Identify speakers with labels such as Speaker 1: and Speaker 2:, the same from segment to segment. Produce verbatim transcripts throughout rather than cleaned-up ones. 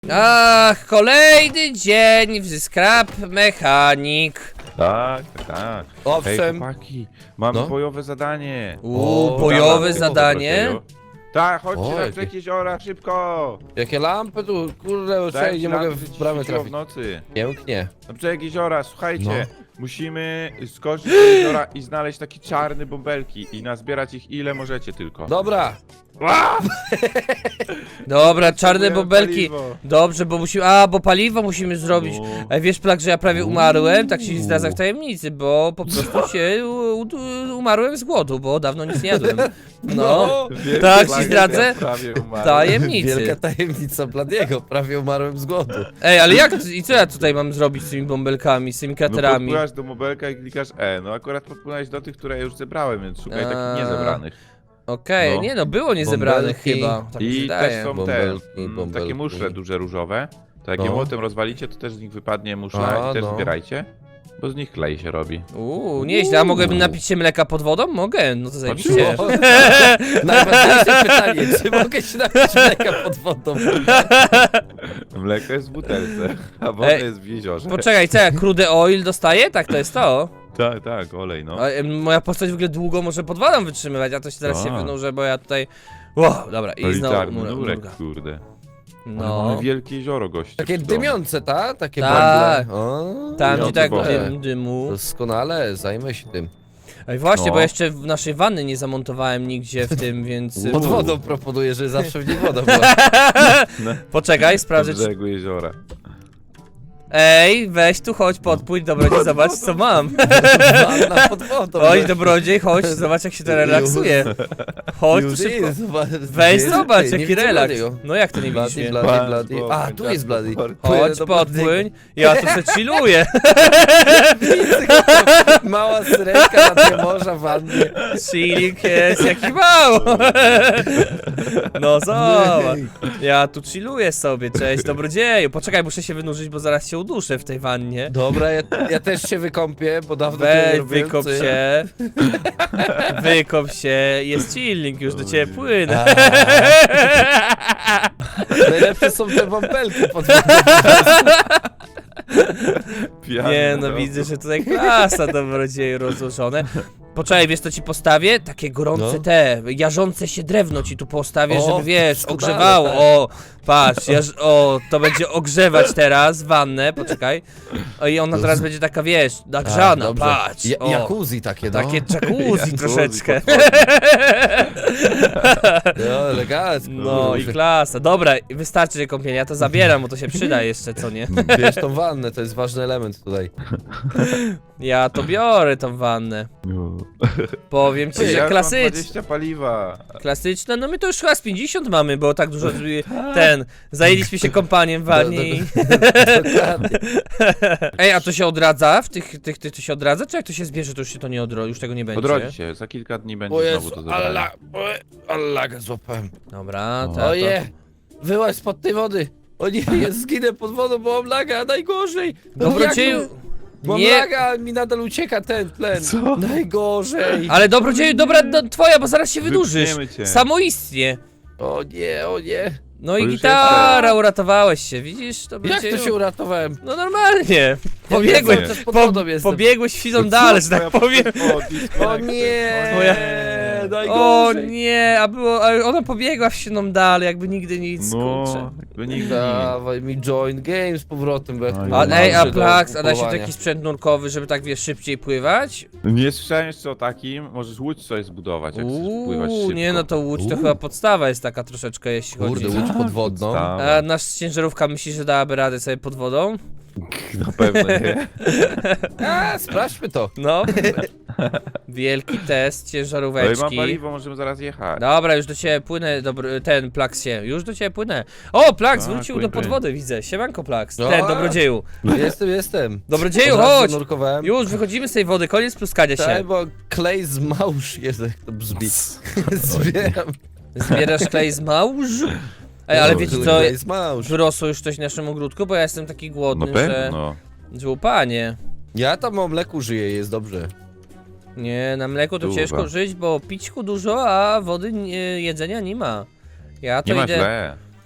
Speaker 1: Ach, kolejny dzień w Scrap Mechanic.
Speaker 2: Tak, tak.
Speaker 3: Owszem.
Speaker 2: Hej, chłopaki, mam
Speaker 3: No.
Speaker 2: bojowe zadanie.
Speaker 1: Uuu,
Speaker 3: O,
Speaker 1: bojowe
Speaker 2: Dobra,
Speaker 1: zadanie.
Speaker 2: tylko Tak, chodźcie
Speaker 3: O,
Speaker 2: na
Speaker 3: jakie-
Speaker 2: brzeg jeziora, szybko!
Speaker 3: Jakie lampy tu, kurde,
Speaker 2: Dajcie
Speaker 3: nie
Speaker 2: nam,
Speaker 3: mogę
Speaker 2: żeby
Speaker 3: w
Speaker 2: ci
Speaker 3: bramę
Speaker 2: świeciło
Speaker 3: trafić.
Speaker 2: w nocy.
Speaker 3: Pięknie.
Speaker 2: Na brzeg jeziora, słuchajcie.
Speaker 3: No.
Speaker 2: Musimy skoczyć do jeziora i znaleźć takie czarne bąbelki i nazbierać ich ile możecie tylko.
Speaker 3: Dobra.
Speaker 1: Dobra, czarne
Speaker 2: Potrzebujemy
Speaker 1: bąbelki.
Speaker 2: paliwo.
Speaker 1: Dobrze, bo musimy. A, bo paliwo musimy zrobić.
Speaker 2: No.
Speaker 1: A wiesz, Plak, że ja prawie umarłem? Tak się zdradza w tajemnicy, bo po prostu się u, u, umarłem z głodu, bo dawno nic nie jadłem. No,
Speaker 2: Wielki
Speaker 1: tak ci
Speaker 2: plagiat,
Speaker 1: zdradzę.
Speaker 2: ja prawie umarłem.
Speaker 1: tajemnicy.
Speaker 3: Wielka tajemnica Bladiego. Prawie umarłem z głodu.
Speaker 1: Ej, ale jak, i co ja tutaj mam zrobić z tymi bąbelkami, z tymi
Speaker 2: No
Speaker 1: kraterami?
Speaker 2: podpływasz do bąbelka i klikasz E. No akurat podpłynąłeś do tych, które ja już zebrałem, więc szukaj
Speaker 1: A.
Speaker 2: takich niezebranych.
Speaker 1: Okej,
Speaker 2: No.
Speaker 1: nie no, było niezebranych
Speaker 3: Bąbelki.
Speaker 1: chyba. Tak mi się
Speaker 2: I
Speaker 1: wydaje.
Speaker 2: też są te
Speaker 3: Bąbelki,
Speaker 2: mm,
Speaker 3: bąbelki.
Speaker 2: takie muszle duże różowe. To jak je
Speaker 3: No.
Speaker 2: młotem rozwalicie, to też z nich wypadnie muszla
Speaker 3: A,
Speaker 2: i też
Speaker 3: no.
Speaker 2: zbierajcie. Bo z nich klej się robi.
Speaker 1: Uuu, nieźle, a mogę napić się mleka pod wodą? Mogę, no to zajebiście.
Speaker 3: O, najważniejsze pytanie, czy mogę się napić mleka pod wodą?
Speaker 2: Mleko jest w butelce, a woda
Speaker 1: Ej,
Speaker 2: jest w jeziorze.
Speaker 1: Poczekaj, co ja crude oil dostaję? Tak, to jest to.
Speaker 2: Tak, tak, olej no.
Speaker 1: A, em, moja postać w ogóle długo może pod wodą wytrzymywać, a to się teraz się
Speaker 2: A.
Speaker 1: wynurzę, bo ja tutaj... Wow, dobra, i znowu
Speaker 2: Elitarny
Speaker 1: mura,
Speaker 2: nurek,
Speaker 1: murga.
Speaker 2: kurde. Ale
Speaker 1: No,
Speaker 2: mamy wielkie jezioro, goście.
Speaker 3: Takie
Speaker 2: w domu.
Speaker 3: dymiące, ta? Takie
Speaker 1: Tak.
Speaker 3: bąble. O,
Speaker 1: tam gdzie
Speaker 2: no,
Speaker 1: tak
Speaker 2: to
Speaker 1: dym, dymu.
Speaker 3: Doskonale, zajmę się tym.
Speaker 1: Ej, właśnie,
Speaker 2: No.
Speaker 1: bo jeszcze w naszej wanny nie zamontowałem nigdzie w tym, więc...
Speaker 3: Pod
Speaker 2: Uuu.
Speaker 3: wodą proponuję, że zawsze w niej woda była.
Speaker 1: Poczekaj,
Speaker 2: Na
Speaker 1: sprawdzę czy...
Speaker 2: brzegu jeziora.
Speaker 1: Ej, weź tu, chodź, podpójdź, dobrodziej, zobacz co mam.
Speaker 3: Wanna pod wodą.
Speaker 1: Chodź, dobrodziej, chodź, zobacz jak się to relaksuje. Chodź tu
Speaker 3: Już
Speaker 1: szybko.
Speaker 3: jest, zobacz,
Speaker 1: Weź
Speaker 3: jest,
Speaker 1: zobacz,
Speaker 3: ty, nie
Speaker 1: jaki
Speaker 3: widzę
Speaker 1: relaks.
Speaker 3: Bladiego.
Speaker 1: No jak to nie widzisz
Speaker 3: Blady,
Speaker 1: mnie?
Speaker 3: blady,
Speaker 2: Pan
Speaker 3: blady.
Speaker 2: Bóg,
Speaker 3: A, tu jest blady.
Speaker 2: Płynie
Speaker 1: Chodź,
Speaker 3: do
Speaker 1: podpłyń. Ja tu se chilluję.
Speaker 3: Mała syrenka na tle morza w wannie.
Speaker 1: Chilling jest jaki mało. No zobacz. Ja tu chilluję sobie, cześć dobrodzieju. Poczekaj, muszę się wynurzyć, bo zaraz się uduszę w tej wannie.
Speaker 3: Dobra, ja, ja też się wykąpię, bo dawno tego nie
Speaker 1: Weź,
Speaker 3: robiłem,
Speaker 1: wykop
Speaker 3: co ja-
Speaker 1: się. Wykop się. Jest chilling, już do ciebie płynę.
Speaker 3: Najlepsze są te bąbelki pod wodą.
Speaker 2: Pijany
Speaker 1: Nie no,
Speaker 2: no.
Speaker 1: widzę, że tutaj klasa dobrodzieju rozłożone. Poczekaj, wiesz co ci postawię? Takie gorące
Speaker 3: No.
Speaker 1: te, jarzące się drewno ci tu postawię,
Speaker 3: O,
Speaker 1: żeby wiesz,
Speaker 3: doskonale,
Speaker 1: ogrzewało.
Speaker 3: tak.
Speaker 1: O, patrz, jarz, o, to będzie ogrzewać teraz wannę, poczekaj. O, i ona teraz będzie taka, wiesz, nagrzana,
Speaker 3: dobrze.
Speaker 1: patrz.
Speaker 3: Ja,
Speaker 1: o,
Speaker 3: jacuzzi takie, no.
Speaker 1: takie jacuzzi
Speaker 2: Jacuzzi
Speaker 1: troszeczkę.
Speaker 2: pod wodą.
Speaker 3: No, elegancko.
Speaker 1: No i klasa. Dobra, wystarczy kąpienia, ja to zabieram, bo to się przyda jeszcze, co nie?
Speaker 3: Bierz tą wannę, to jest ważny element tutaj.
Speaker 1: Ja to biorę tą wannę.
Speaker 2: No.
Speaker 1: Powiem ci,
Speaker 2: Ej,
Speaker 1: że
Speaker 2: ja już mam
Speaker 1: klasycznie.
Speaker 2: dwadzieścia paliwa.
Speaker 1: Klasyczne, no my to już chyba z pięćdziesiąt mamy, bo tak dużo y, ten, zajęliśmy się kąpaniem w wannie i...
Speaker 3: Dokładnie.
Speaker 1: Ej, a to się odradza? W tych, tych, tych to się odradza? Czy jak to się zbierze, to już się to nie odrodzi, już tego nie będzie?
Speaker 2: Odrodzi się, za kilka dni będzie
Speaker 3: O
Speaker 2: znowu
Speaker 3: Jezu,
Speaker 2: to zabranie.
Speaker 3: alla, allaga złapałem.
Speaker 1: Dobra,
Speaker 2: O.
Speaker 1: to, to...
Speaker 3: Oje, wyłaź spod tej wody. O nie, ja zginę pod wodą, bo mam laga, najgorzej.
Speaker 1: Dobrodzieju...
Speaker 3: Jak- Mam
Speaker 1: Nie,
Speaker 3: laga, mi nadal ucieka ten tlen.
Speaker 2: Co?
Speaker 3: Najgorzej.
Speaker 1: ale dobrodzieju, dobra, no, twoja, bo zaraz się wydłużysz.
Speaker 2: Wypchniemy cię.
Speaker 1: Samoistnie.
Speaker 3: O nie, o nie.
Speaker 1: No
Speaker 2: To
Speaker 1: i
Speaker 2: już
Speaker 1: gitara,
Speaker 2: jestem.
Speaker 1: uratowałeś się, widzisz?
Speaker 3: Jak
Speaker 1: Dobrodzieju?
Speaker 3: to się uratowałem?
Speaker 1: No normalnie.
Speaker 3: Ja
Speaker 1: Pobiegłeś,
Speaker 3: cały czas pod
Speaker 1: po,
Speaker 3: wodą jestem.
Speaker 1: pobiegłeś fizą
Speaker 2: Co
Speaker 1: dalej, że
Speaker 2: twoja
Speaker 1: tak powiem.
Speaker 2: postać
Speaker 3: O nie,
Speaker 1: Moja- O
Speaker 3: najgorzej.
Speaker 1: nie, a było, a ona pobiegła w siną dalej, jakby nigdy nic,
Speaker 2: No,
Speaker 1: kurczę.
Speaker 2: jakby nigdy.
Speaker 3: Dawaj mi join game z powrotem, bo ja tu
Speaker 2: Oj,
Speaker 1: A,
Speaker 2: no,
Speaker 1: ej, a
Speaker 3: mam się do
Speaker 1: Plax, a da się
Speaker 3: kupowania.
Speaker 1: taki sprzęt nurkowy, żeby tak wiesz, szybciej pływać?
Speaker 2: Nie słyszałem jeszcze o takim, możesz łódź sobie zbudować, jak chcesz pływać
Speaker 1: Uuu,
Speaker 2: szybko.
Speaker 1: nie no to łódź to
Speaker 3: Uuu.
Speaker 1: chyba podstawa jest taka troszeczkę, jeśli
Speaker 3: Kurde,
Speaker 1: chodzi.
Speaker 3: łódź podwodną.
Speaker 2: Podstawa.
Speaker 1: A nasz ciężarówka myśli, że dałaby radę sobie pod wodą?
Speaker 2: Na pewno nie.
Speaker 3: A, sprawdźmy to.
Speaker 1: No. Wielki test
Speaker 2: Ale mam
Speaker 1: ciężaróweczki.
Speaker 2: paliwo, możemy zaraz jechać.
Speaker 1: Dobra, już do ciebie płynę, dobry, ten Plax się, już do ciebie płynę. O, Plax
Speaker 2: A,
Speaker 1: wrócił
Speaker 2: płyń,
Speaker 1: do podwody, widzę. Siemanko Plax,
Speaker 3: No.
Speaker 1: ten dobrodzieju.
Speaker 3: Jestem, jestem.
Speaker 1: Dobrodzieju,
Speaker 3: Od razu
Speaker 1: chodź!
Speaker 3: zanurkowałem.
Speaker 1: Już wychodzimy z tej wody, koniec pluskania
Speaker 3: Tak,
Speaker 1: się.
Speaker 3: bo klej z małż jest, jak to brzmi. Zbieram.
Speaker 1: Zbierasz klej z małż? Ej, ale
Speaker 3: No,
Speaker 1: wiecie co,
Speaker 3: klej z małż.
Speaker 1: wyrosło już coś w naszym ogródku, bo ja jestem taki
Speaker 2: No
Speaker 1: głodny, że...
Speaker 2: pewno.
Speaker 1: że upanie.
Speaker 3: Ja tam o mleku żyję, jest dobrze.
Speaker 1: Nie, na mleku to
Speaker 2: Dużo.
Speaker 1: ciężko żyć, bo pićku dużo, a wody nie, jedzenia nie ma. Ja to
Speaker 2: Nie ma
Speaker 1: idę...
Speaker 2: źle.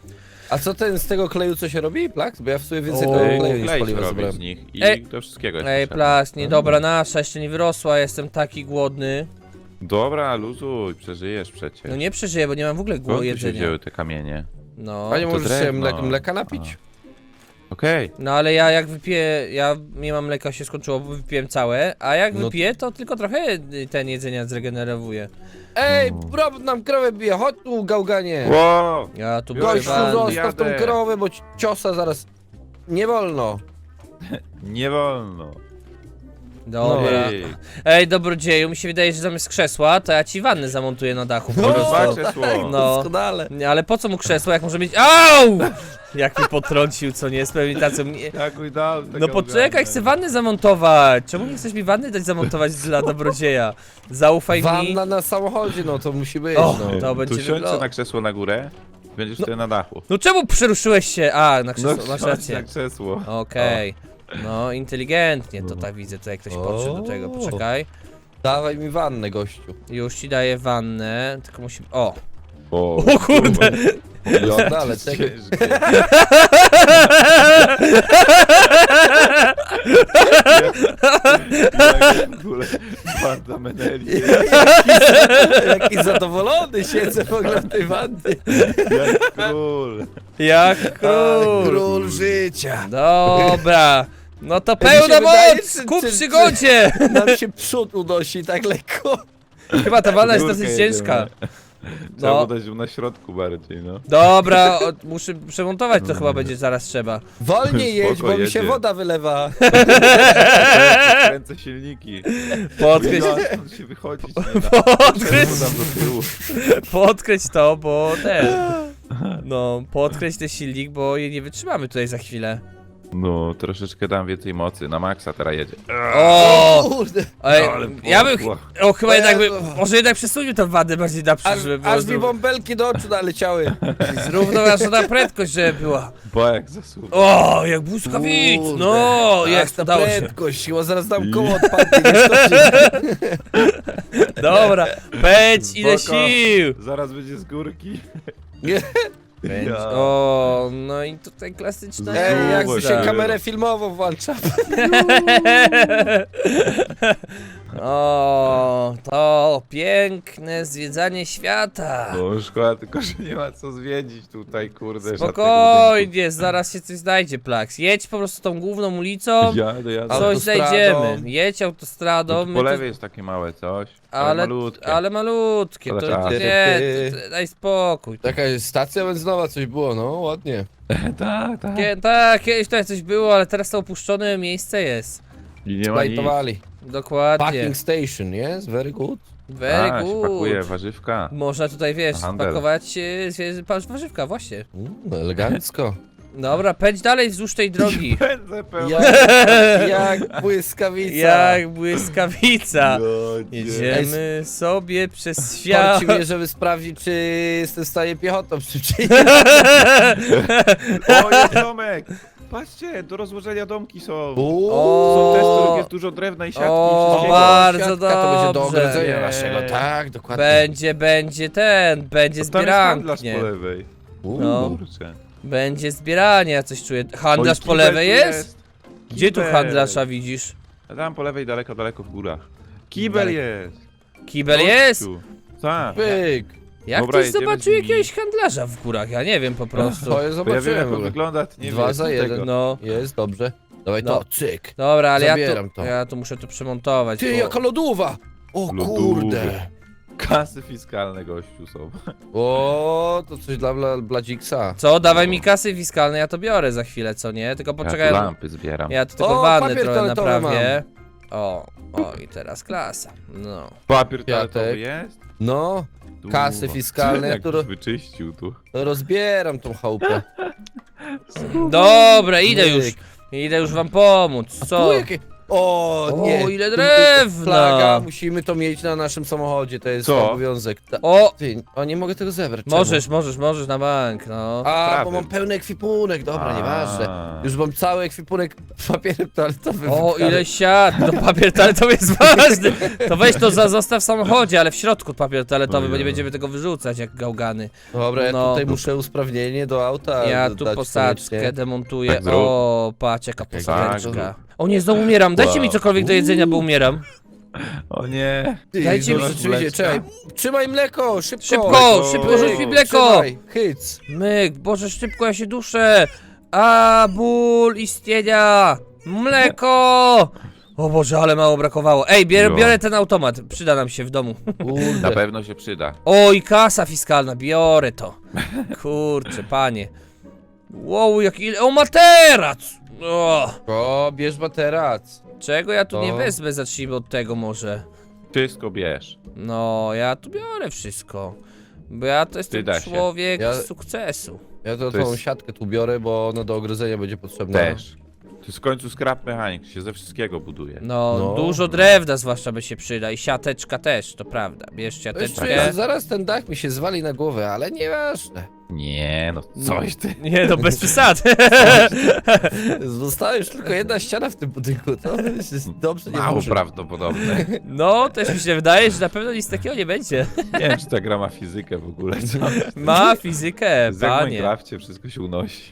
Speaker 3: A co ten z tego kleju co się robi, Plak? Bo ja w sumie więcej
Speaker 1: O,
Speaker 3: tego
Speaker 2: Ej,
Speaker 3: kleju niż
Speaker 2: klej się
Speaker 3: paliwa
Speaker 2: robi
Speaker 3: zebrałem.
Speaker 2: z nich i
Speaker 1: Ej.
Speaker 2: do wszystkiego jest
Speaker 1: Ej,
Speaker 2: potrzebne.
Speaker 1: Plas, niedobra nasza, jeszcze nie wyrosła, jestem taki głodny.
Speaker 2: Dobra, luzuj, przeżyjesz przecież.
Speaker 1: No nie przeżyję, bo nie mam w ogóle
Speaker 2: Skąd tu się
Speaker 1: jedzenia.
Speaker 2: wzięły te kamienie?
Speaker 1: No.
Speaker 3: A nie
Speaker 2: to
Speaker 3: możesz się
Speaker 2: drewno.
Speaker 3: mleka, mleka napić?
Speaker 2: Okej.
Speaker 1: No ale ja jak wypiję, ja nie mam mleka, się skończyło, bo wypiłem całe, a jak
Speaker 3: No-
Speaker 1: wypiję, to tylko trochę y, ten jedzenia zregenerowuje.
Speaker 3: Ej,
Speaker 2: No.
Speaker 3: robot nam krowę bije, chodź tu, gałganie!
Speaker 2: Wow!
Speaker 1: Ja tu
Speaker 2: Gościu,
Speaker 1: byłem
Speaker 3: Gościu,
Speaker 2: Wanny.
Speaker 3: zostaw tą
Speaker 2: Jadę.
Speaker 3: krowę, bo ci ciosa zaraz... Nie wolno.
Speaker 2: Nie wolno.
Speaker 1: Dobra.
Speaker 2: Ej,
Speaker 1: Ej, dobrodzieju, mi się wydaje, że zamiast krzesła, to ja ci wannę zamontuję na dachu po
Speaker 3: No,
Speaker 1: prostu.
Speaker 2: dwa krzesło.
Speaker 1: No.
Speaker 3: Doskonale.
Speaker 1: Nie, ale po co mu krzesło, jak może być... Au! Jak mi potrącił, co nie, z premedytacją. Nie...
Speaker 2: Jak mi dał tego
Speaker 1: No poczekaj, chcę wanny zamontować. Czemu nie chcesz mi wanny dać zamontować dla dobrodzieja? Zaufaj mi.
Speaker 3: Wanna na samochodzie, no to musi być,
Speaker 1: O,
Speaker 3: no.
Speaker 1: to będzie
Speaker 2: Tu siądź
Speaker 1: wyglądał.
Speaker 2: na krzesło na górę, będziesz
Speaker 1: No.
Speaker 2: wtedy na dachu.
Speaker 1: No czemu przeruszyłeś się? A, na krzesło, masz
Speaker 2: siądź
Speaker 1: rację.
Speaker 2: na krzesło.
Speaker 1: Okej. No, inteligentnie to tak widzę, tutaj ktoś podszedł do tego,
Speaker 3: O.
Speaker 1: poczekaj.
Speaker 3: Dawaj mi wannę, gościu.
Speaker 1: Już ci daję wannę, tylko musi... O!
Speaker 2: O,
Speaker 1: O kurde!
Speaker 3: Doskonale,
Speaker 2: ciężkie.
Speaker 3: czekaj.
Speaker 2: Jak w ogóle banda meneli.
Speaker 3: Jaki zadowolony siedzę w ogóle w tej wannie.
Speaker 2: Jak król.
Speaker 1: Jak
Speaker 3: A,
Speaker 1: król!
Speaker 3: król życia.
Speaker 1: Dobra! No to
Speaker 3: mi
Speaker 1: pełna
Speaker 3: się wydaje,
Speaker 1: moc!
Speaker 3: czy-
Speaker 1: Ku
Speaker 3: czy-
Speaker 1: przygodzie!
Speaker 3: Nam się przód unosi tak lekko.
Speaker 1: Chyba ta wanna jest
Speaker 2: Górkę
Speaker 1: dosyć
Speaker 2: jedziemy.
Speaker 1: ciężka.
Speaker 2: Trzeba
Speaker 1: No.
Speaker 2: było dać ją na środku bardziej, no.
Speaker 1: Dobra, o, muszę przemontować, to chyba będzie zaraz trzeba.
Speaker 3: Wolniej jedź,
Speaker 2: Spoko,
Speaker 3: bo mi się
Speaker 2: jedzie.
Speaker 3: woda wylewa.
Speaker 2: Kręcę silniki.
Speaker 1: Podkręć,
Speaker 2: No, stąd się wychodzić nie da.
Speaker 1: podkręć,
Speaker 2: Tam do tyłu.
Speaker 1: podkręć to, bo ten... No, podkręć ten silnik, bo je nie wytrzymamy tutaj za chwilę.
Speaker 2: No, troszeczkę dam więcej mocy. Na maksa teraz jedzie.
Speaker 1: O!
Speaker 3: Kurde.
Speaker 1: Ej,
Speaker 2: Ale
Speaker 1: ja bym...
Speaker 2: poszło.
Speaker 1: O, chyba jednak by...
Speaker 3: Jezu.
Speaker 1: Może jednak przesunił tę wadę bardziej naprzód,
Speaker 3: Aż,
Speaker 1: żeby było
Speaker 3: aż mi
Speaker 1: zró-
Speaker 3: bąbelki do oczu naleciały.
Speaker 1: zrównoważona prędkość, żeby była.
Speaker 2: Bo jak zasuwa.
Speaker 1: O, jak błyskawic!
Speaker 3: Kurde.
Speaker 1: No,
Speaker 3: Ach,
Speaker 1: jest,
Speaker 3: ta
Speaker 1: udało się.
Speaker 3: prędkość, bo zaraz dam koło odpadnie, nie skoczy.
Speaker 1: Dobra, pędź, ile
Speaker 2: Spoko.
Speaker 1: sił!
Speaker 2: Zaraz będzie z górki.
Speaker 3: Nie.
Speaker 1: Pędź.
Speaker 2: Ja.
Speaker 1: O, no i tutaj klasyczna
Speaker 3: Ej, jak
Speaker 2: Zobacz,
Speaker 3: się
Speaker 2: tak.
Speaker 3: kamerę filmową włącza.
Speaker 1: O, to piękne zwiedzanie świata.
Speaker 2: No szkoda, tylko że nie ma co zwiedzić tutaj, kurde. żadnego
Speaker 1: Spokojnie, zaraz się coś znajdzie, Plaks. Jedź po prostu tą główną ulicą,
Speaker 2: budynku. Jadę, jadę.
Speaker 1: coś
Speaker 3: Autostradą.
Speaker 1: znajdziemy. Jedź
Speaker 2: No,
Speaker 1: autostradą,
Speaker 2: tu
Speaker 1: my
Speaker 2: po
Speaker 1: tu...
Speaker 2: lewej jest takie małe coś, ale,
Speaker 1: ale,
Speaker 2: malutkie.
Speaker 1: ale malutkie,
Speaker 2: Ale
Speaker 1: to
Speaker 2: czas.
Speaker 1: nie, to, to, daj spokój.
Speaker 3: Taka stacja benzynowa coś było, no ładnie.
Speaker 2: tak, tak.
Speaker 1: Kie, tak, kiedyś tutaj coś było, ale teraz to opuszczone miejsce jest.
Speaker 2: I nie ma nic.
Speaker 3: Splajtowali.
Speaker 1: Dokładnie.
Speaker 3: Packing station, yes? Very good.
Speaker 1: Very
Speaker 2: A, się pakuje
Speaker 1: good.
Speaker 2: warzywka.
Speaker 1: Można tutaj, wiesz,
Speaker 2: Handel.
Speaker 1: pakować e, zwie- patrz, warzywka, właśnie.
Speaker 3: Mm, elegancko.
Speaker 1: Dobra, pędź dalej wzdłuż tej drogi.
Speaker 2: Pędzę pełno.
Speaker 3: Jak, jak błyskawica.
Speaker 1: Jak błyskawica.
Speaker 2: No,
Speaker 1: Jedziemy sobie przez
Speaker 3: Torci
Speaker 1: świat.
Speaker 3: mnie, żeby sprawdzić, czy jestem w stanie piechotą szybciej.
Speaker 2: O, jest domek! Patrzcie, do rozłożenia domki są.
Speaker 1: O,
Speaker 2: Są te, z których jest dużo drewna i siatki
Speaker 1: o,
Speaker 2: i wszystkiego.
Speaker 1: bardzo
Speaker 3: Siatka to będzie do
Speaker 1: dobrze.
Speaker 3: ogrodzenia
Speaker 2: Nie.
Speaker 3: naszego, tak, dokładnie.
Speaker 1: Będzie, będzie ten, będzie
Speaker 2: To tam jest handlarz
Speaker 1: zbierankie.
Speaker 2: po lewej.
Speaker 3: U,
Speaker 1: No.
Speaker 2: Kurczę.
Speaker 1: Będzie zbieranie, ja coś czuję. Handlarz
Speaker 2: Oj,
Speaker 1: po
Speaker 2: kibel
Speaker 1: lewej
Speaker 2: tu
Speaker 1: jest? Gdzie tu
Speaker 2: Kibel.
Speaker 1: handlarza widzisz?
Speaker 2: A tam po lewej, daleko, daleko w górach. Kibel
Speaker 1: Daleko.
Speaker 2: jest.
Speaker 1: Kibel
Speaker 2: Gościu.
Speaker 1: jest?
Speaker 2: Tak.
Speaker 3: Pyk.
Speaker 1: Jak
Speaker 2: Dobra,
Speaker 1: ktoś
Speaker 2: jedziemy
Speaker 1: zobaczył
Speaker 2: z nimi.
Speaker 1: jakiegoś handlarza w górach? Ja nie wiem po prostu.
Speaker 3: To je
Speaker 2: Bo ja wiem
Speaker 3: zobaczyłem.
Speaker 2: jak
Speaker 3: w
Speaker 2: on
Speaker 3: ogóle.
Speaker 2: wygląda, ty nie
Speaker 3: Dwa
Speaker 2: wiesz
Speaker 3: za
Speaker 2: tego.
Speaker 3: jeden.
Speaker 1: No.
Speaker 3: Jest, dobrze. Dawaj
Speaker 1: No.
Speaker 3: to, cyk.
Speaker 1: Dobra, ale ja
Speaker 3: Zabieram
Speaker 1: tu,
Speaker 3: to.
Speaker 1: ja tu muszę to przemontować.
Speaker 3: Ty,
Speaker 1: bo...
Speaker 3: jaka lodówa! O
Speaker 2: Lodówy.
Speaker 3: kurde.
Speaker 2: Kasy fiskalne gościu są.
Speaker 3: O, to coś dla Bla- Bladziksa.
Speaker 1: Co? Dawaj mi kasy fiskalne, ja to biorę za chwilę, co nie? Tylko
Speaker 2: Ja
Speaker 1: poczekaj,
Speaker 2: tu
Speaker 1: ja,
Speaker 2: lampy zbieram.
Speaker 1: ja tu tylko
Speaker 3: O,
Speaker 1: wannę
Speaker 3: papier
Speaker 1: trochę
Speaker 3: toaletowy
Speaker 1: naprawię. O, o i teraz klasa. No.
Speaker 2: Papier
Speaker 3: Kwiatek.
Speaker 2: toaletowy jest?
Speaker 3: No,
Speaker 2: Tu.
Speaker 3: Kasy fiskalne,
Speaker 2: Jak
Speaker 3: które-
Speaker 2: wyczyścił tu.
Speaker 3: rozbieram tą chałupę.
Speaker 1: Dobra, idę
Speaker 3: Myk.
Speaker 1: już. Idę już wam pomóc,
Speaker 3: A
Speaker 1: co?
Speaker 3: tu jakie... O nie!
Speaker 1: O, ile drewna!
Speaker 3: Flaga, musimy to mieć na naszym samochodzie, to jest
Speaker 2: Co?
Speaker 3: obowiązek. Ta...
Speaker 1: O!
Speaker 3: Ty, o nie mogę tego zebrać. czemu?
Speaker 1: Możesz, możesz, możesz na bank, no.
Speaker 3: A,
Speaker 2: Prawym.
Speaker 3: bo mam pełny ekwipunek, dobra,
Speaker 2: A.
Speaker 3: nieważne. Już mam cały ekwipunek papierem toaletowym.
Speaker 1: O,
Speaker 3: wypchany.
Speaker 1: ile siat! No papier toaletowy jest ważny! To weź to za, zostaw w samochodzie, ale w środku papier toaletowy, bo nie
Speaker 2: Ojej.
Speaker 1: będziemy tego wyrzucać jak gałgany.
Speaker 3: Dobra, ja
Speaker 1: No.
Speaker 3: tutaj muszę usprawnienie do auta
Speaker 1: Ja
Speaker 3: dać
Speaker 1: tu
Speaker 3: koniecznie.
Speaker 1: posaczkę demontuję.
Speaker 2: Tak zrób.
Speaker 1: O, patrz jaka
Speaker 2: Tak,
Speaker 1: posadeczka. O nie, znowu umieram, dajcie mi
Speaker 2: Wow.
Speaker 1: cokolwiek do jedzenia, bo umieram.
Speaker 2: O nie.
Speaker 3: Ty,
Speaker 1: Dajcie mi-
Speaker 3: no, rzeczywiście, czekaj. Trzymaj mleko, szybko!
Speaker 1: Szybko,
Speaker 2: Mleko.
Speaker 1: szybko, rzuć mi mleko!
Speaker 3: Trzymaj, hyc.
Speaker 1: Myk, Boże, szybko, ja się duszę! A, ból istnienia! Mleko! O Boże, ale mało brakowało. Ej, bier,
Speaker 2: Jo.
Speaker 1: biorę ten automat, przyda nam się w domu.
Speaker 2: Na
Speaker 3: Kurde.
Speaker 2: pewno się przyda.
Speaker 1: O, i kasa fiskalna, biorę to. Kurczę, panie. Wow, jak ile... O, materac! O,
Speaker 3: O, bierz materac.
Speaker 1: czego ja tu nie
Speaker 3: O.
Speaker 1: wezmę? Zacznijmy od tego może.
Speaker 2: Wszystko bierz.
Speaker 1: No, ja tu biorę wszystko. Bo ja to jestem
Speaker 2: Przyda się.
Speaker 1: człowiek
Speaker 3: Ja-
Speaker 1: sukcesu.
Speaker 3: Ja to,
Speaker 2: To
Speaker 3: tą
Speaker 2: jest-
Speaker 3: siatkę tu biorę, bo ona do ogrodzenia będzie potrzebna.
Speaker 2: Też. To jest w końcu scrap mechanik, się ze wszystkiego buduje.
Speaker 1: No,
Speaker 3: No.
Speaker 1: dużo drewna zwłaszcza by się przyda i siateczka też, to prawda. Bierz
Speaker 3: Jeszcze,
Speaker 1: siateczkę.
Speaker 3: zaraz ten dach mi się zwali na głowę, ale nieważne.
Speaker 2: Nie, no coś ty.
Speaker 1: Nie, no bez przesady.
Speaker 3: Została już tylko jedna ściana w tym budynku, to jest dobrze nie
Speaker 2: Mało
Speaker 3: może.
Speaker 2: prawdopodobne.
Speaker 1: No, też mi się wydaje, że na pewno nic takiego nie będzie.
Speaker 2: Nie wiem, czy ta gra ma fizykę w ogóle. Co?
Speaker 1: Ma fizykę,
Speaker 2: Jak w
Speaker 1: panie.
Speaker 2: Minecrafcie wszystko się unosi.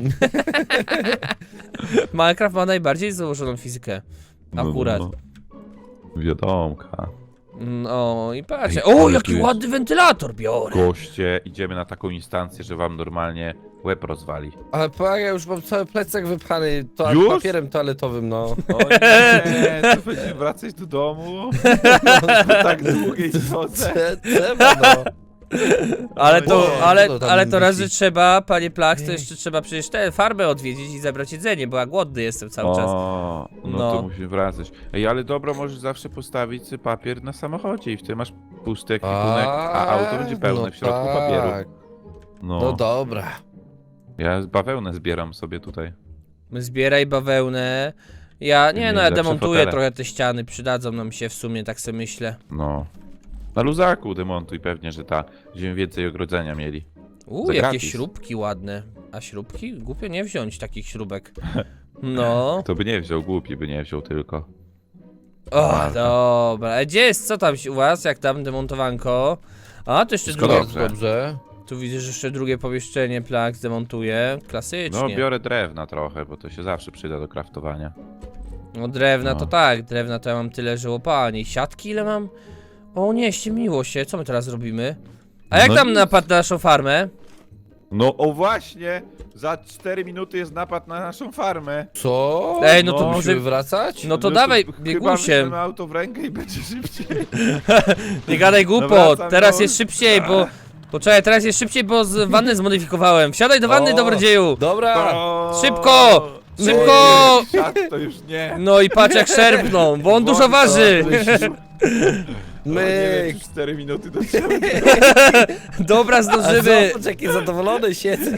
Speaker 1: Minecraft ma najbardziej założoną fizykę. Akurat.
Speaker 2: No, no. Wiadomka.
Speaker 1: No i patrzcie.
Speaker 2: Ej,
Speaker 1: O,
Speaker 2: ale
Speaker 1: jaki
Speaker 2: tu jest-
Speaker 1: ładny wentylator biorę.
Speaker 2: Goście, idziemy na taką instancję, że wam normalnie łeb rozwali.
Speaker 3: Ale pa, ja już mam cały plecak wypchany to
Speaker 2: Już?
Speaker 3: papierem toaletowym, no.
Speaker 2: O nie, to będziemy wracać do domu? Po tak długiej drodze.
Speaker 3: Cze- Trzeba, no.
Speaker 1: Ale to,
Speaker 3: O,
Speaker 1: ale,
Speaker 3: co tam
Speaker 1: ale to raz, że
Speaker 3: wisi?
Speaker 1: trzeba, panie Plach, to jeszcze trzeba przecież tę farmę odwiedzić i zabrać jedzenie, bo ja głodny jestem cały czas.
Speaker 2: O, no,
Speaker 1: No.
Speaker 2: to musimy wracać. Ej, ale dobro, możesz zawsze postawić sobie papier na samochodzie i wtedy masz pusty ekwipunek, a auto będzie pełne
Speaker 3: no
Speaker 2: w środku
Speaker 3: tak.
Speaker 2: papieru.
Speaker 3: No
Speaker 2: No,
Speaker 3: dobra.
Speaker 2: ja bawełnę zbieram sobie tutaj.
Speaker 1: Zbieraj bawełnę. Ja, nie
Speaker 2: Mieli
Speaker 1: no, ja
Speaker 2: lepsze
Speaker 1: demontuję
Speaker 2: fotele.
Speaker 1: trochę te ściany, przydadzą nam się w sumie, tak sobie myślę.
Speaker 2: No. Na luzaku demontuj pewnie, że ta, będziemy więcej ogrodzenia mieli.
Speaker 1: Uuu,
Speaker 2: Za
Speaker 1: jakie
Speaker 2: gratis.
Speaker 1: śrubki ładne. A śrubki? Głupio nie wziąć takich śrubek. No.
Speaker 2: To by nie wziął, głupi by nie wziął tylko.
Speaker 1: O,
Speaker 2: Marta.
Speaker 1: dobra. A gdzie jest, co tam u was, jak tam demontowanko? A, to jeszcze
Speaker 2: Wszystko
Speaker 1: drugie.
Speaker 2: dobrze.
Speaker 3: Bardzo dobrze.
Speaker 1: Tu widzę, że jeszcze drugie pomieszczenie Plak zdemontuje. Klasycznie.
Speaker 2: No, biorę drewna trochę, bo to się zawsze przyda do kraftowania.
Speaker 1: No drewna
Speaker 2: No.
Speaker 1: to tak, drewna to ja mam tyle, że łopanie. Siatki ile mam? O nie, ściemniło się, co my teraz robimy? A jak
Speaker 2: No
Speaker 1: tam
Speaker 2: nic.
Speaker 1: napad na naszą farmę?
Speaker 2: No, o właśnie! Za cztery minuty jest napad na naszą farmę.
Speaker 3: Co?
Speaker 1: Ej, no to
Speaker 2: No,
Speaker 1: może...
Speaker 3: Musimy wracać?
Speaker 1: No to dawaj,
Speaker 2: Chyba
Speaker 1: biegusiem.
Speaker 2: weźmiemy auto w rękę i będzie szybciej.
Speaker 1: Nie gadaj głupot,
Speaker 2: wracam
Speaker 1: teraz
Speaker 2: już.
Speaker 1: jest szybciej, bo... Poczekaj, teraz jest szybciej, bo z wanny zmodyfikowałem. Wsiadaj do wanny,
Speaker 3: O,
Speaker 1: dobrodzieju!
Speaker 3: Dobra!
Speaker 2: O,
Speaker 1: Szybko!
Speaker 2: nie,
Speaker 1: Szybko!
Speaker 2: Siad to już nie.
Speaker 1: No i patrz jak szerpną, bo on dużo
Speaker 2: Włącz to,
Speaker 1: waży!
Speaker 2: No, nie wiem,
Speaker 3: Myk!
Speaker 2: czy cztery minuty do ciebie.
Speaker 1: Dobra,
Speaker 3: A
Speaker 1: zdążymy!
Speaker 3: zobacz, jaki zadowolony siedzę.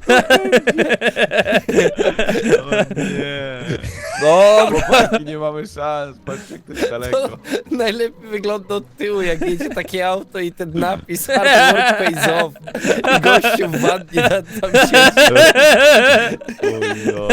Speaker 2: O nie.
Speaker 1: Dobra,
Speaker 2: Chłopaki, nie mamy szans. Patrzcie, jak to jest daleko.
Speaker 3: Najlepiej wygląda od tyłu, jak jedzie takie auto i ten napis Hard Work Pays Off. I gościu w wannie na- tam siedzi.
Speaker 2: Ojo.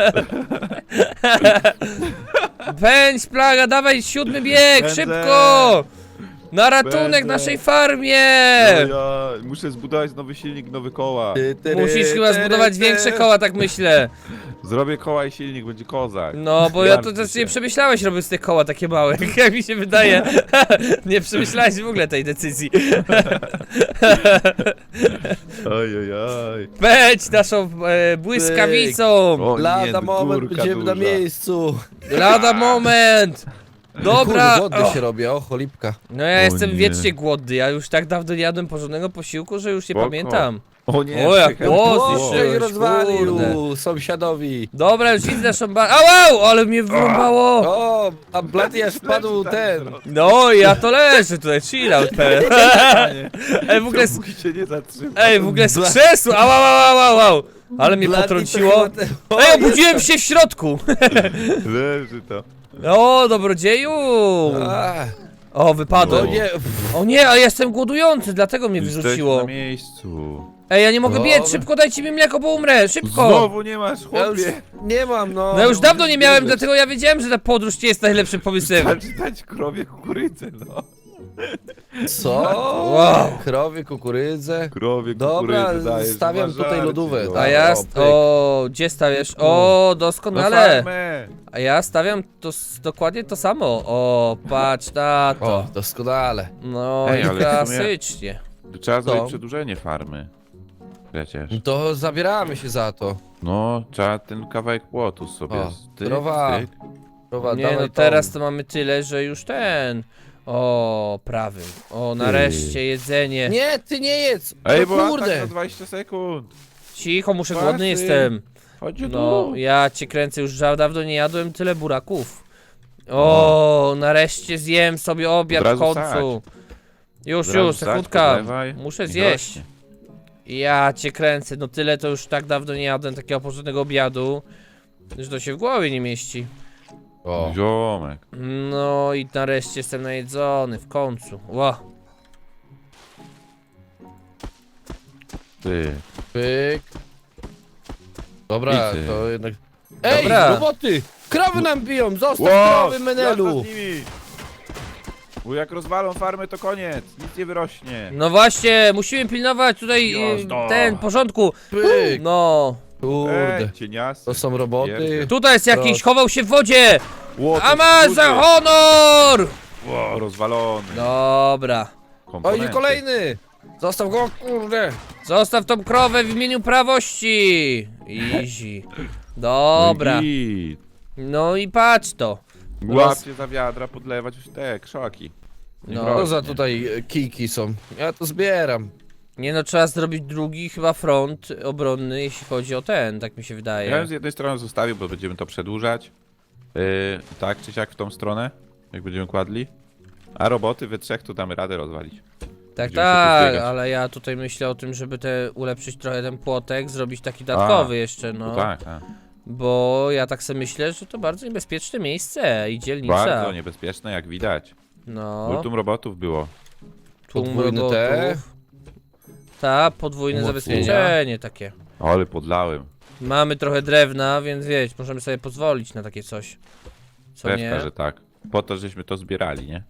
Speaker 1: pędź plaga, dawaj siódmy bieg,
Speaker 2: Pędzę.
Speaker 1: szybko! Na ratunek
Speaker 2: Pędzę.
Speaker 1: naszej farmie!
Speaker 2: Ja muszę zbudować nowy silnik, nowe koła.
Speaker 3: Ty, tyry,
Speaker 1: Musisz chyba
Speaker 3: tyry,
Speaker 1: zbudować
Speaker 3: tyry.
Speaker 1: większe koła, tak myślę.
Speaker 2: Zrobię koła i silnik, będzie kozak.
Speaker 1: No, bo ja to
Speaker 2: Zmartwcie
Speaker 1: też
Speaker 2: się.
Speaker 1: nie przemyślałeś robiąc te koła takie małe, jak mi się wydaje. Nie przemyślałeś w ogóle tej decyzji.
Speaker 2: Oj, oj, oj.
Speaker 1: Pędź naszą e, błyskawicą!
Speaker 2: O nie,
Speaker 3: Lada moment,
Speaker 2: górka
Speaker 3: będziemy na
Speaker 2: duża.
Speaker 3: miejscu.
Speaker 1: Lada moment! Dobra!
Speaker 3: Kurde, głodny
Speaker 1: O,
Speaker 3: się robi, o cholipka.
Speaker 1: no ja
Speaker 2: O
Speaker 1: jestem
Speaker 2: nie.
Speaker 1: wiecznie głodny, ja już tak dawno nie jadłem porządnego posiłku, że już nie
Speaker 2: Spoko.
Speaker 1: pamiętam.
Speaker 2: O nie,
Speaker 1: O, jak
Speaker 2: psychę.
Speaker 1: głos
Speaker 3: O,
Speaker 1: zniszczyłeś,
Speaker 3: się rozwalił
Speaker 1: kurde.
Speaker 3: sąsiadowi.
Speaker 1: Dobra, już widzę naszą bar... Au, au, ale mnie wyrąbało!
Speaker 3: O, a Blady aż wpadł
Speaker 2: tak
Speaker 3: ten.
Speaker 2: zrobił.
Speaker 1: No, ja to leżę tutaj, chill out, pełen. Ej, w ogóle... z-
Speaker 2: Dopóki się nie zatrzyma.
Speaker 1: Ej, w ogóle z krzesła! Au, au, au, au, au! Ale mnie
Speaker 3: Blady to
Speaker 1: potrąciło.
Speaker 3: chyba ten- O,
Speaker 1: Ej, obudziłem
Speaker 3: jest
Speaker 1: się w środku!
Speaker 2: Leży to.
Speaker 1: O, dobrodzieju!
Speaker 3: A,
Speaker 1: O,
Speaker 3: no
Speaker 1: wypadłem.
Speaker 3: nie,
Speaker 1: O nie, a jestem głodujący, dlatego mnie
Speaker 2: Jesteś
Speaker 1: wyrzuciło.
Speaker 2: na miejscu.
Speaker 1: Ej, ja nie mogę
Speaker 3: Dobra.
Speaker 1: biec, szybko dajcie mi mleko, bo umrę, szybko!
Speaker 2: Znowu nie masz,
Speaker 3: ja już
Speaker 2: chłopie.
Speaker 3: nie mam, no.
Speaker 1: No już dawno nie miałem,
Speaker 3: biegać.
Speaker 1: dlatego ja wiedziałem, że ta podróż nie jest najlepszym pomysłem.
Speaker 2: Wystarczy dać krowie kukurydzę, no.
Speaker 3: Co?
Speaker 1: Wow.
Speaker 3: Krowie, kukurydzę.
Speaker 2: Krowie
Speaker 3: Dobra,
Speaker 2: kukurydzę dajesz,
Speaker 3: stawiam
Speaker 2: masz
Speaker 3: tutaj
Speaker 2: żarcie,
Speaker 3: lodówę,
Speaker 2: no.
Speaker 3: tak.
Speaker 1: A ja...
Speaker 3: O,
Speaker 1: st-
Speaker 3: pyk.
Speaker 1: O, gdzie stawiasz? O,
Speaker 2: Na
Speaker 1: doskonale.
Speaker 2: farmę.
Speaker 1: A ja stawiam to s- dokładnie to samo. O, patrz na
Speaker 3: O,
Speaker 1: to.
Speaker 3: doskonale.
Speaker 1: No
Speaker 2: Ej,
Speaker 1: i
Speaker 2: ale w sumie-
Speaker 1: klasycznie.
Speaker 2: To trzeba
Speaker 3: Co?
Speaker 2: zrobić przedłużenie farmy. Przecież.
Speaker 3: To zabieramy się za to.
Speaker 2: No, trzeba ten kawałek płotu sobie
Speaker 3: O,
Speaker 2: styk,
Speaker 3: krowa.
Speaker 2: styk.
Speaker 3: Krowa,
Speaker 1: Nie,
Speaker 3: dawaj
Speaker 1: no
Speaker 3: tą.
Speaker 1: teraz to mamy tyle, że już ten. O, prawym. O, nareszcie jedzenie.
Speaker 3: Nie, ty nie jedz!
Speaker 2: Ej,
Speaker 3: no
Speaker 2: bo atak
Speaker 3: kurde!
Speaker 2: na dwadzieścia sekund.
Speaker 1: Cicho, muszę
Speaker 2: Łatwy.
Speaker 1: głodny jestem.
Speaker 2: Chodź
Speaker 1: No,
Speaker 2: tu.
Speaker 1: ja cię kręcę, już za dawno nie jadłem tyle buraków. O, nareszcie zjem sobie obiad
Speaker 2: Od
Speaker 1: w
Speaker 2: razu
Speaker 1: końcu. Już,
Speaker 2: Od razu
Speaker 1: już,
Speaker 2: wsadź,
Speaker 1: sekundka.
Speaker 2: podlewaj
Speaker 1: Muszę
Speaker 2: i
Speaker 1: zjeść.
Speaker 2: rośnie.
Speaker 1: Ja cię kręcę, no tyle to już tak dawno nie jadłem takiego porządnego obiadu, że to się w głowie nie mieści.
Speaker 3: O,
Speaker 2: Ziomek.
Speaker 1: No i nareszcie jestem najedzony, w końcu. Ła.
Speaker 2: Ty.
Speaker 3: pyk. Dobra,
Speaker 2: I ty.
Speaker 3: to jednak... Ej,
Speaker 1: Dobra.
Speaker 3: roboty! Krowy nam biją! Zostaw
Speaker 2: Wow,
Speaker 3: krowy, Menelu!
Speaker 2: jazda z nimi. Bo jak rozwalą farmę, to koniec. Nic nie wyrośnie.
Speaker 1: No właśnie, musimy pilnować tutaj y,
Speaker 2: Jazda.
Speaker 1: ten porządku.
Speaker 3: Pyk!
Speaker 1: No.
Speaker 3: Kurde.
Speaker 2: Ej, cieniasy.
Speaker 3: To są roboty.
Speaker 2: Pierdzie.
Speaker 1: Tutaj jest jakiś,
Speaker 3: Proszę.
Speaker 1: chował się w wodzie!
Speaker 2: Łotek
Speaker 1: A ma
Speaker 2: duży.
Speaker 1: za honor!
Speaker 2: Wow, rozwalony.
Speaker 1: Dobra.
Speaker 3: O,
Speaker 2: Komponenty.
Speaker 3: idzie kolejny! Zostaw go, kurde!
Speaker 1: Zostaw tą krowę w imieniu prawości. Easy. Dobra.
Speaker 2: Git.
Speaker 1: No i patrz to.
Speaker 2: Łapcie za wiadra, podlewać już te krzaki. Nie
Speaker 1: No.
Speaker 3: Co
Speaker 2: rośnie.
Speaker 3: za tutaj e, kijki są? Ja to zbieram.
Speaker 1: Nie no, trzeba zrobić drugi chyba front obronny, jeśli chodzi o ten, tak mi się
Speaker 2: Ja
Speaker 1: wydaje.
Speaker 2: bym z jednej strony zostawił, bo będziemy to przedłużać. Yy, tak czy siak w tą stronę, jak będziemy kładli. A roboty we trzech to damy radę rozwalić.
Speaker 1: Tak,
Speaker 2: Będziemy się
Speaker 1: tak,
Speaker 2: tu zbiegać.
Speaker 1: ale ja tutaj myślę o tym, żeby te ulepszyć trochę ten płotek, zrobić taki dodatkowy jeszcze, no.
Speaker 2: No tak, tak.
Speaker 1: Bo ja tak sobie myślę, że to bardzo niebezpieczne miejsce i dzielnica.
Speaker 2: Bardzo niebezpieczne, jak widać.
Speaker 1: No,
Speaker 2: Multum robotów było.
Speaker 1: tłum
Speaker 3: Podwójne
Speaker 1: robotów.
Speaker 3: te.
Speaker 1: Tak, podwójne
Speaker 3: Umocnienia.
Speaker 1: zabezpieczenie takie.
Speaker 2: Ale podlałem.
Speaker 1: Mamy trochę drewna, więc wiecie, możemy sobie pozwolić na takie coś. Co
Speaker 2: Pewka,
Speaker 1: nie?
Speaker 2: że tak. Po to, żeśmy to zbierali, nie?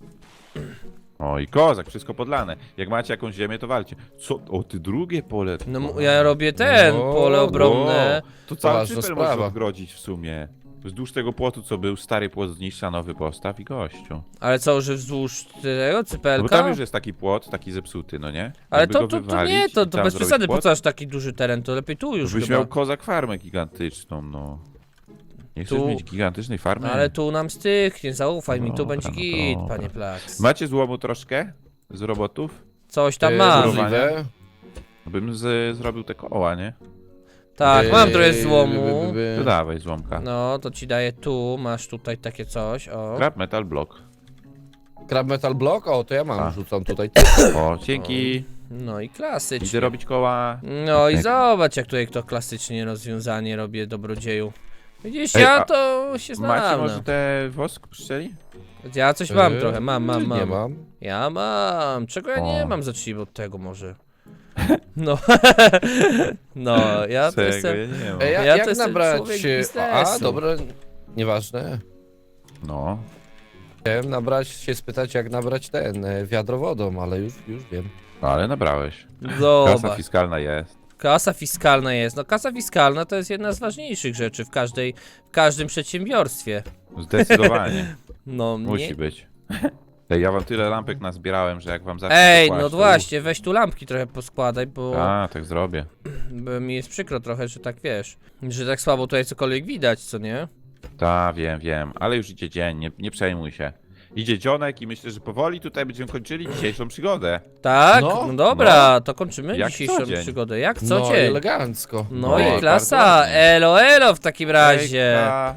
Speaker 2: O i kozak, wszystko podlane. Jak macie jakąś ziemię, to walcie. Co? O, ty drugie pole.
Speaker 1: No m- ja robię ten,
Speaker 3: No,
Speaker 1: pole obronne.
Speaker 2: O, to cały
Speaker 3: Poważna
Speaker 2: cypel
Speaker 3: sprawa.
Speaker 2: możesz odgrodzić w sumie. Wzdłuż tego płotu, co był, stary płot zniszcza, nowy postaw i gościu.
Speaker 1: Ale co, że wzdłuż tego
Speaker 2: No bo
Speaker 1: cypelka?
Speaker 2: tam już jest taki płot, taki zepsuty, no nie?
Speaker 1: Ale
Speaker 2: Jakby
Speaker 1: to,
Speaker 2: go
Speaker 1: to, to
Speaker 2: wywalić
Speaker 1: nie, to,
Speaker 2: i
Speaker 1: to
Speaker 2: tam
Speaker 1: bez
Speaker 2: zrobić
Speaker 1: przesady, po
Speaker 2: płot,
Speaker 1: co aż taki duży teren, to lepiej tu już
Speaker 2: Byś
Speaker 1: chyba.
Speaker 2: miał kozak farmę gigantyczną, no. Nie chcesz
Speaker 1: Tu-
Speaker 2: mieć gigantycznej farmy?
Speaker 1: Ale tu nam styknie, zaufaj mi, tu
Speaker 2: Dobra,
Speaker 1: będzie
Speaker 2: no
Speaker 1: git,
Speaker 2: dobra.
Speaker 1: panie Plaks.
Speaker 2: Macie złomu troszkę? Z robotów?
Speaker 1: Coś tam
Speaker 3: E,
Speaker 1: mam.
Speaker 2: zbudowa-
Speaker 3: możliwe.
Speaker 2: Bym z, zrobił te koła, nie?
Speaker 1: Tak,
Speaker 3: E,
Speaker 1: mam trochę
Speaker 3: by,
Speaker 1: złomu.
Speaker 3: by, by.
Speaker 2: To dawaj złomka.
Speaker 1: No, to ci daję tu, masz tutaj takie coś, o.
Speaker 2: Crab metal block.
Speaker 3: Crab Metal Block? O, to ja mam,
Speaker 2: A.
Speaker 3: rzucam tutaj.
Speaker 2: O, dzięki.
Speaker 1: No i klasycznie.
Speaker 2: Idę robić koła.
Speaker 1: No i
Speaker 2: Tak.
Speaker 1: zobacz, jak tutaj to klasycznie rozwiązanie robię, dobrodzieju. Widzisz,
Speaker 2: Ej,
Speaker 1: ja
Speaker 2: a
Speaker 1: to się
Speaker 2: Macie
Speaker 1: znam.
Speaker 2: może
Speaker 1: no.
Speaker 2: te wosk pszczeli?
Speaker 1: Ja coś mam
Speaker 3: E,
Speaker 1: trochę, mam, mam, mam.
Speaker 3: Nie mam.
Speaker 1: Ja mam. Czego ja nie
Speaker 2: O.
Speaker 1: mam? Zacznijmy od tego może. No. No, ja to
Speaker 2: Czego?
Speaker 1: jestem.
Speaker 2: Ja nie mam.
Speaker 3: E, ja,
Speaker 1: Ja to
Speaker 3: jak
Speaker 1: jestem
Speaker 3: nabrać...
Speaker 1: człowiek
Speaker 3: e,
Speaker 1: biznesu.
Speaker 3: A, dobra, nieważne.
Speaker 2: No.
Speaker 3: Chciałem nabrać, się spytać, jak nabrać ten, e, wiadro wodą, ale już, już wiem.
Speaker 2: No ale nabrałeś. Kasa
Speaker 1: Zobacz.
Speaker 2: fiskalna jest.
Speaker 1: Kasa fiskalna jest. No kasa fiskalna to jest jedna z ważniejszych rzeczy w każdej, w każdym przedsiębiorstwie.
Speaker 2: Zdecydowanie.
Speaker 1: No
Speaker 2: Musi
Speaker 1: nie.
Speaker 2: być. Ej, ja wam tyle lampek nazbierałem, że jak wam zacznę
Speaker 1: Ej,
Speaker 2: to
Speaker 1: no
Speaker 2: kłaść, to-
Speaker 1: właśnie, weź tu lampki trochę poskładaj, bo,
Speaker 2: A, tak zrobię.
Speaker 1: bo mi jest przykro trochę, że tak wiesz, że tak słabo tutaj cokolwiek widać, co nie?
Speaker 2: Ta, wiem, wiem. Ale już idzie dzień, nie, nie przejmuj się. Idzie dzionek i myślę, że powoli tutaj będziemy kończyli dzisiejszą przygodę.
Speaker 1: Tak? No,
Speaker 3: No,
Speaker 1: dobra, to kończymy
Speaker 2: Jak
Speaker 1: dzisiejszą
Speaker 2: co dzień.
Speaker 1: przygodę. Jak co
Speaker 3: No,
Speaker 1: dzień?
Speaker 3: elegancko.
Speaker 1: No
Speaker 2: No,
Speaker 1: i
Speaker 2: bardzo
Speaker 1: klasa,
Speaker 2: ładnie.
Speaker 1: elo elo w takim razie.
Speaker 2: Hejka.